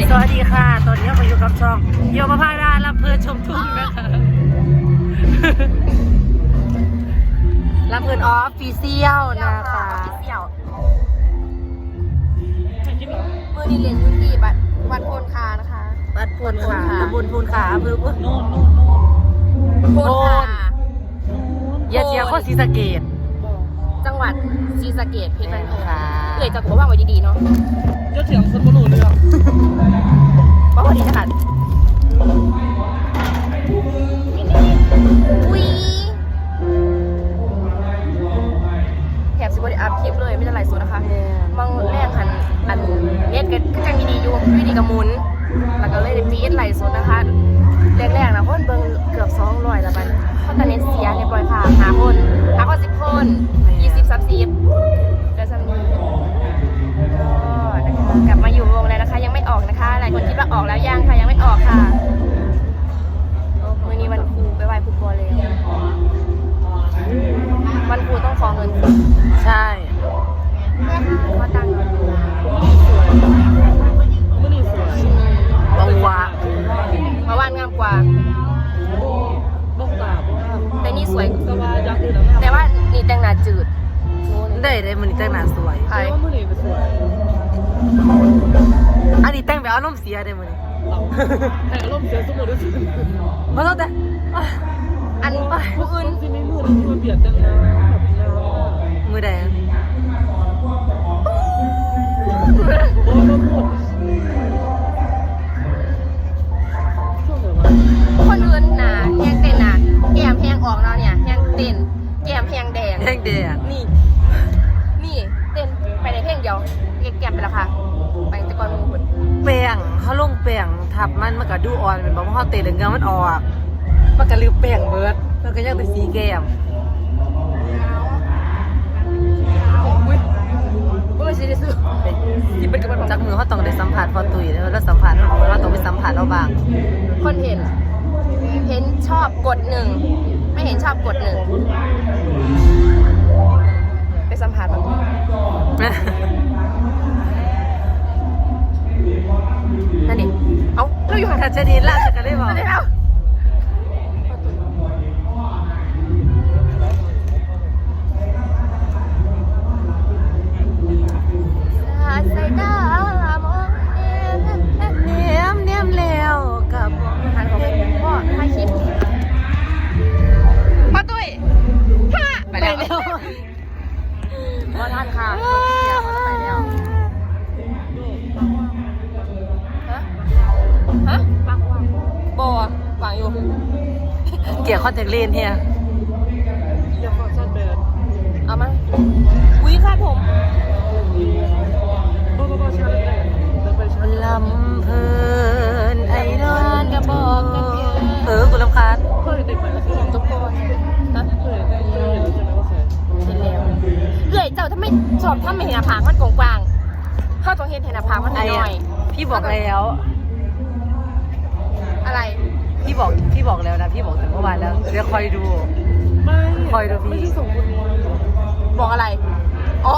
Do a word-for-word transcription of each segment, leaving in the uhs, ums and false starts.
สวัสดีค่ะตอนนี้มาอยู่กับช่องโยมพาดาลำเพลินชมทุ่งนะคะลำเพลินออฟฟิเชียลนะคะมือดีเรียนยุติบัตรวัดโพนคานะคะวัดพูนขาตำบลพูนขาอำเภอโน่นโน่นโพนคาเยียเจียข้อศรีสะเกษจังหวัดศรีสะเกษเพชรบุรีค่ะเอ่ยจากหัวว่างไว้ดีๆเนาะเจ้าเถียงคนบรูเรื่องว่าพอดีนะคะอุ้ยแถบสิบวันอัพคลิปเลยไม่ได้ไลฟ์สดนะคะบางแรกหันอันเน็ตก็จังดีๆอยู่วิธีกระมุนแล้วก็เลยได้ฟีดไลฟ์สดนะคะแรกๆนะคนเบิ่งเกือบสองร้อยแล้วมันเพราะตอนนี้เสียเรียบร้อยค่ะหาคนหาคนสิบคนยี่สิบสามสิบก็จะมีก็นะคะกลับมาอยู่วงแล้วนะคะยังไม่ออกนะคะหลายคนคิดว่าออกแล้วยังค่ะยังไม่ออกค่ะมื้อนี้วันครูไปไหว้ครูบัวเลยวันครูต้องขอเงินใช่ขอตังค์บางวะมาว่านงามกว่าแต่นี่สวยแต่ว่านี่แต่งหน้าจืดได้ได้มันนี่แต่งหน้าสวยใช่อันนี้แต่งแบบอารมณ์เสียได้มันแต่อารมณ์เสียสมมติว่ามาแล้วแต่อันผู้อื่นที่ไม่มืดที่มันเบียดจังนะมือแดงโอ้ยมันหมดคนอื่นหนาแห้งเต้นหนาแก้มแห้งออกเนาะเนี่ยแห้งเต้นแก้มแห้งแดงแห้งแดงนี่นี่เต้นไปในเพลงเดียวแก้มไปแล้วค่ะไปตะกอนมือหุ่นแป้งเขาลงแป้งทับมันมันก็ดูอ่อนเป็นบอกว่าเขาเตะเหลืองเงามันออกมันก็ลืมแป้งเบิร์ดมันก็ยังเป็นสีแก้มอุ้ยเมื่อสิได้ซื้อที่เป็นกระบอกจากมือเขาต้องได้สัมผัสพอตุยแล้วแล้วสัมผัสเขาเราต้องไปสัมผัสเราบ้างคนเห็นเห็นชอบกดหนึ่งไม่เห็นชอบกดหนึ่งไปสัมผัสมันนั่นดิเอ้าเราอยู่ห่างทัชนีล่าจะกันได้บอกได้แล้วใส่หน้ามองเนียมเนียมแล้วกับทานของพ่อถ่ายคลิปพ่อตุ้ยฮ่าไปแล้วพ่อท่านค่ะไปแล้วฮะฮะวางวางบอวางอยู่เกี่ยวคอนแทคเลนส์เฮียอย่าฟังสั้นเบิร์ดเอามาอุ้ยคาดผมลำเพลินไอ้นอนกระบอกกันเพียงเออกูรำคาญเคยเด็กใหม่ก็คือตุ๊กโกนนะเคยเคยเห็นแล้วใช่ไหมว่าเคยเห็นแล้วเอื่อยเจ้าถ้าไม่ชอบถ้าไม่เห็นหน้าผากมันกว้างๆเข้าตรงเห็นเห็นหน้าผากมันน้อยพี่บอกแล้วอะไรพี่บอกพี่บอกแล้วนะพี่บอกถึงเมื่อวานแล้วเดี๋ยวคอยดูไม่คอยดูพี่ไม่ใช่ส่งคนบอกอะไรอ๋อ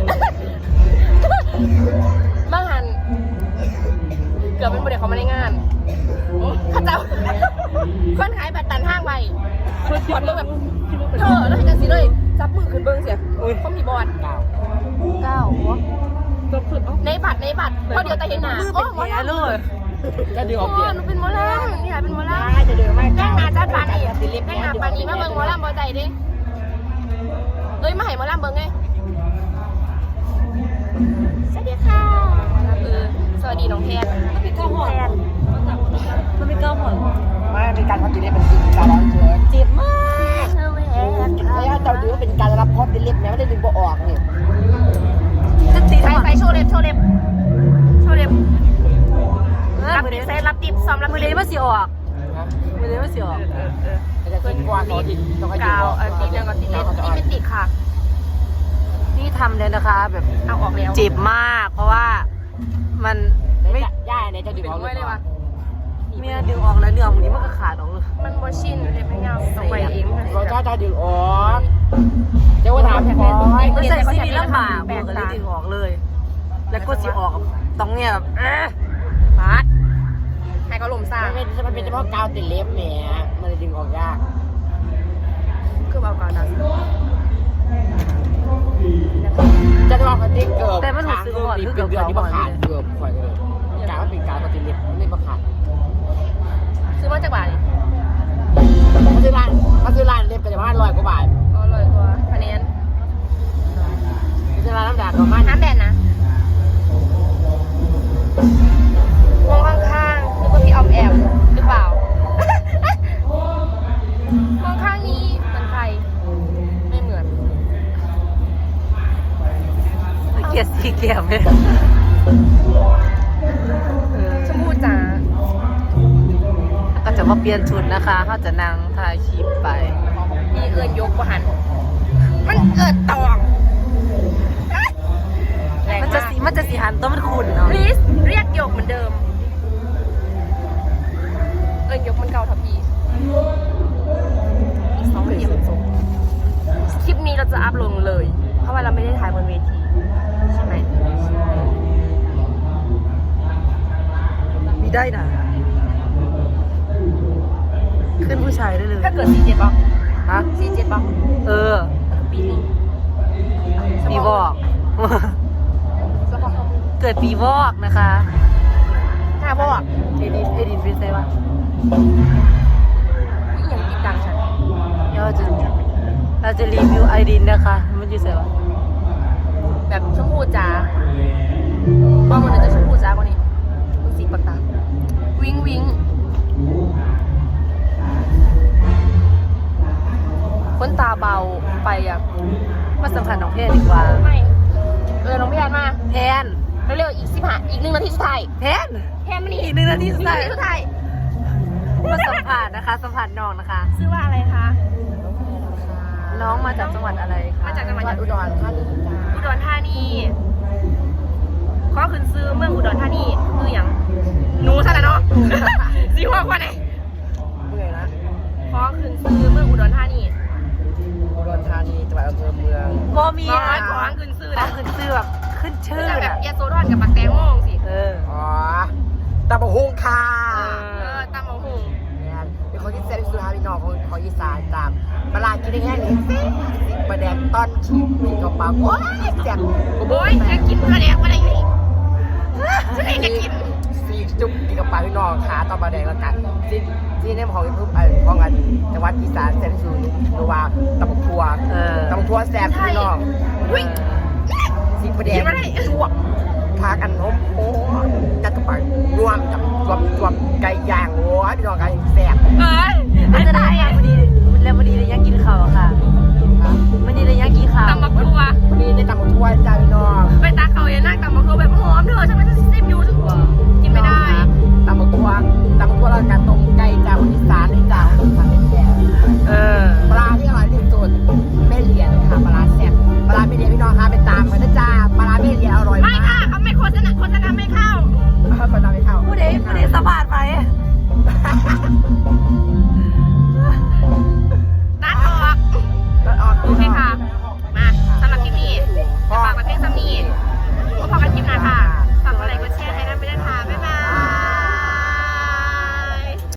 มาหันเกือบเป็นประเด็นเขาไม่ได้งานข้าเจ้าคนขายบัตรตันห้างไปขอดเบิ้งแบบเธอแล้วเห็นกันสิเลยจับมือขึ้นเบิ้งเสียเขามีบอลเก้าเก้าในบัตรในบัตรพอเดียวแต่เห็นหน้าโอ้หมอลำเลยก็ดึงออกเดียวหนูเป็นหมอลำนี่แหละเป็นหมอลำจะเดือดไหมแจ้งหน้าจัดปานีแจ้งหน้าปานีมาเบิ้งหมอลำบอใจดิเอ้ยมาให้หมอลำเบิ้งไงสวัสดีค่ะเออสวัสดีน้องแพนมันเป็นเก้าหอนมันเป็นเก้าหอนไม่เป็นการพัฒนาเป็นการร้องเฉยเจ็บมากเธอแหวนแล้วเจ้าดูว่าเป็นการรับพอดเล็บแม้ไม่ได้ดึงบ่ออกนี่จะตีใส่ใส่โชว์เล็บโชว์เล็บโชว์เล็บรับติดเซตรับติดซ้อมรับมือเลี้ยงมาสีออกมือเลี้ยงมาสีออกจะเป็นกวาดติดต้องให้กาวติดเรื่องก่อนติดเล็บนี่ไม่ติดค่ะนี่ทำเลยนะคะแบบเอาออกแล้วเจ็บมากเพราะว่ามันไม่ย่าเนี่ยจะดึงออกเลยวะเมียดึงออกแล้วเนื้อมันนี้มันก็ขาดออกเลยมันโมชินเลยไม่ยาวต้องไปเองเราจะจะดึงออกเจ้าถามพอไม่ใช่ซีรีส์ลำบากบอกเลยดึงออกเลยแล้วก็สีออกต้องเนี่ยแบบเอ๊ะปาดคือมันเป็นเฉพาะกาวติดเล็บแหมมันเลยดึงออกยากคือเอากาวดำจะลองคันที่เกิบแต่มันรู้สึกว่าเกืคืออบเดือนเก่าที่ๆมาบ่ขาดนี่เกือบข่อยเลยกาวมันเป็นกาวติดเล็บมันเลยมาขาดซื้อมาจากบ้านนี่มันคือร้านมันคือร้านเล็บกันจะประมาณร้อยกว่าบาทอ๋อเลยกว่าคะแนนมันคือร้านน้ำด่างประมาณน้ำแบนนะมองข้างๆนึกว่าพี่ออมแอมหรือเปล่า มองข้างนี้เหมือนใคร ไม่เหมือนเกลียดสีแก้มเลยเออชมพูจ๋าก็จะมาเปลี่ยนชุดนะคะเขาจะนั่งถ่ายคลิปไปมีเอินยกกว่าหัน มันเอินตองแรงมันจะมากสีมันจะสีหันตัวมันขุ่นเนาะลิสเรียกยกเหมือนเดิม เอินยกมันเก่าทับพีอีกสองเหลี่ยมส่งคลิปนี้เราจะอัพลงเลย เพราะว่าเราไม่ได้ถ่ายบนเวที ใช่ไหมมีได้นะขึ้นผู้ชายได้เลยถ้าเกิดสี่เจ็ดป่ะฮะสี่เจ็ดป่ะเออปีนี้ปีวอกสปอร์ตเกิดปีวอกนะคะหน้าบอกเอดินเอดินเป็นไงวะวิ่งอย่างติดดังฉันเดี๋ยวเราจะเราจะรีวิวไอดินนะคะ มันอยู่ไสวะแบบชมพูจ๋าบางคนจะชมพูจ๋ากว่านี้มึงสีปากตาวิ้งวิ้งคนตาเบาไปอ่ะมาสัมผัสน้องเพศดีกว่าไม่ เออน้องพี่แอนมาแพนเร็วๆอีกสิบห้าอีกหนึ่งนาทีสุดท้ายแพนแค่มันนี่อีกหนึ่งนาทีสุดท้ายหนึ่งนาทีสุดท้ายมาสัมผัสนะคะ สัมผัสน้องนะคะชื่อว่าอะไรคะน้องมาจากจังหวัดอะไรคะมาจากจังหวัดอุดรธานีอุดรธานีข้อขึ้นซื้อเมืองอุดรธานีคืออย่างหนูซะแล้วเนาะ สีหัวกว่าไหนเมื่อยนะข้อขึ้นซื้อเมืองอุดรธานีอุดรธานีจังหวัดอำเภอเมืองโมมีน้ออ่ะยของขึ้นซื้อต้อนะงขึ้นชื่อแบบขึ้นชื่อคือแบบอ่ะยาโซดอนกับปักแตงโมงสิเอออ๋อตะบะฮุงค่ะเอเออตามหมอหุงเนี่ยเป็นคนที่เซนสุดท้ายพี่น้องของของอีสานตามปลากินได้แค่นี้สิบประแดงต้นชิ้นมีกระเป๋าโอ้ยแซ่บโอ้ยจะกินกระเดียกอะไรอยู่นี่ฉันเองจะกินสีจุ๊บมีกระเป๋าพี่น้องขาตอนประแดงแล้วกันที่ที่เนี่ยของทุกอันของอันจังหวัดอีสานเซนสุดหรือว่าตะบกทัวเออตะบกทัวแซ่บพี่น้องวิ่งสีประแดงกินอะไรทั่วพากันนมโอ้จัดกระเป๋ารวมกับรวมรวมไก่ย่างโอ้ยพี่น้องกันแซ่บเอ้ยมันจะได้ยังพอดีแล้วพอดีเลยยังกินข้าวอะค่ะมันนี่เลยยังกินข้าวตำบักทัววันนี้ได้ตำบักทั่วจ้าพี่น้องเป็น